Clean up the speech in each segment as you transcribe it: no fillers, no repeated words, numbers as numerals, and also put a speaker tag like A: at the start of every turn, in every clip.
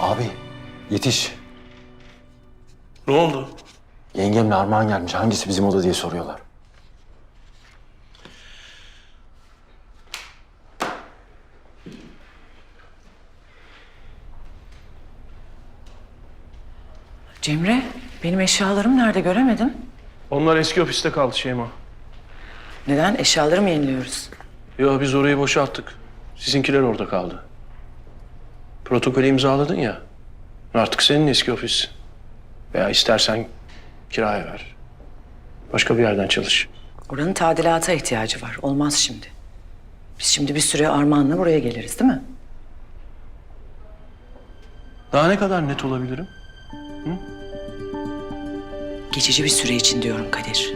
A: Abi yetiş.
B: Ne oldu?
A: Yengemle Armağan gelmiş. Hangisi bizim oda diye soruyorlar.
C: Cemre, benim eşyalarım nerede göremedim.
B: Onlar eski ofiste kaldı Şeyma.
C: Neden? Eşyaları mı yeniliyoruz?
B: Ya biz orayı boşalttık. Sizinkiler orada kaldı. Protokolü imzaladın ya. Artık senin eski ofis. Veya istersen kiraya ver. Başka bir yerden çalış.
C: Oranın tadilata ihtiyacı var. Olmaz şimdi. Biz şimdi bir süre Armağan'la buraya geliriz değil mi?
B: Daha ne kadar net olabilirim?
C: Geçici bir süre için diyorum Kadir.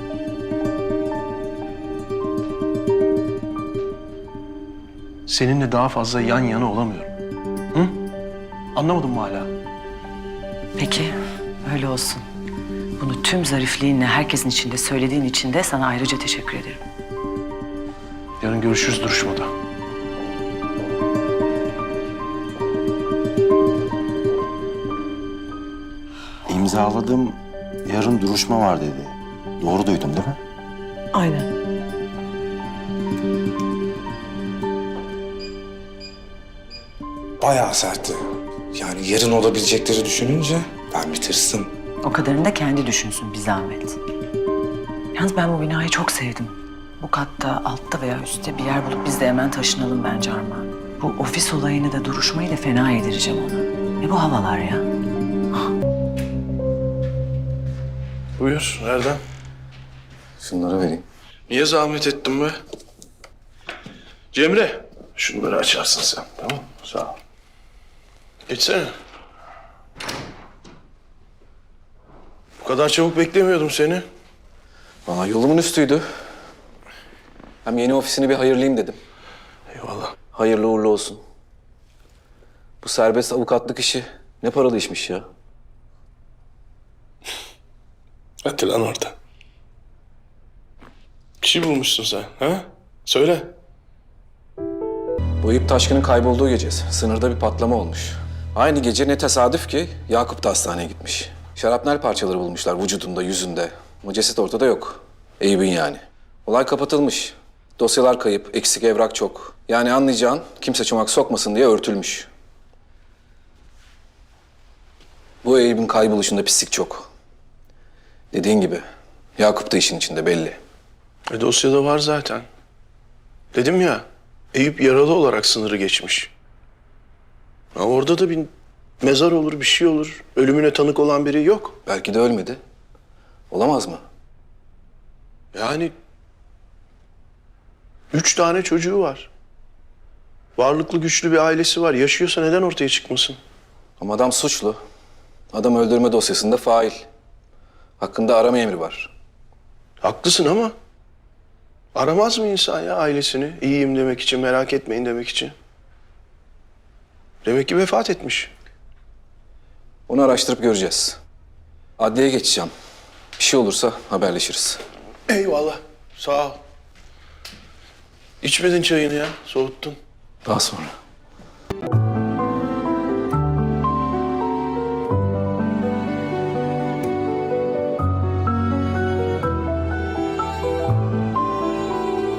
B: Seninle daha fazla yan yana olamıyorum. Hı? Anlamadın mı hala?
C: Peki, öyle olsun. Bunu tüm zarifliğinle herkesin içinde söylediğin için de sana ayrıca teşekkür ederim.
B: Yarın görüşürüz duruşmada.
A: İmzaladım. Yarın duruşma var dedi. Doğru duydum değil mi?
C: Aynen.
D: Bayağı sertti. Yani yarın olabilecekleri düşününce ben bir tırstım.
C: O kadarını da kendi düşünsün bir zahmet. Yalnız ben bu binayı çok sevdim. Bu katta, altta veya üstte bir yer bulup biz de hemen taşınalım bence Armağan. Bu ofis olayını da duruşmayı da fena yedireceğim ona. Ne bu havalar ya?
B: Buyur, nereden?
A: Şunları vereyim.
B: Niye zahmet ettin be? Cemre, şunları açarsın sen, tamam mı? Sağ ol. Geçsene. Bu kadar çabuk beklemiyordum seni.
E: Valla yolumun üstüydü. Hem yeni ofisini bir hayırlayayım dedim.
B: Eyvallah.
E: Hayırlı uğurlu olsun. Bu serbest avukatlık işi ne paralı işmiş ya.
B: Hadi lan orada. Bir şey bulmuşsun sen, ha? Söyle.
E: Bu Eyüp Taşkın'ın kaybolduğu gece sınırda bir patlama olmuş. Aynı gece ne tesadüf ki Yakup da hastaneye gitmiş. Şarapnel parçaları bulmuşlar vücudunda, yüzünde. Ama ceset ortada yok. Eyüp'ün yani. Olay kapatılmış. Dosyalar kayıp, eksik evrak çok. Yani anlayacağın kimse çomak sokmasın diye örtülmüş. Bu Eyüp'ün kayboluşunda pislik çok. Dediğin gibi Yakup da işin içinde belli.
B: Dosyada var zaten. Dedim ya, Eyüp yaralı olarak sınırı geçmiş. Ha, orada da bir mezar olur, bir şey olur. Ölümüne tanık olan biri yok.
E: Belki de ölmedi. Olamaz mı?
B: Yani 3 tane çocuğu var. Varlıklı güçlü bir ailesi var. Yaşıyorsa neden ortaya çıkmasın?
E: Ama adam suçlu. Adam öldürme dosyasında fail. Hakkında arama emri var.
B: Haklısın ama aramaz mı insan ya ailesini? İyiyim demek için, merak etmeyin demek için. Demek ki vefat etmiş.
E: Onu araştırıp göreceğiz. Adliyeye geçeceğim. Bir şey olursa haberleşiriz.
B: Eyvallah. Sağ ol. İçmedin çayını ya, soğuttun.
E: Daha sonra.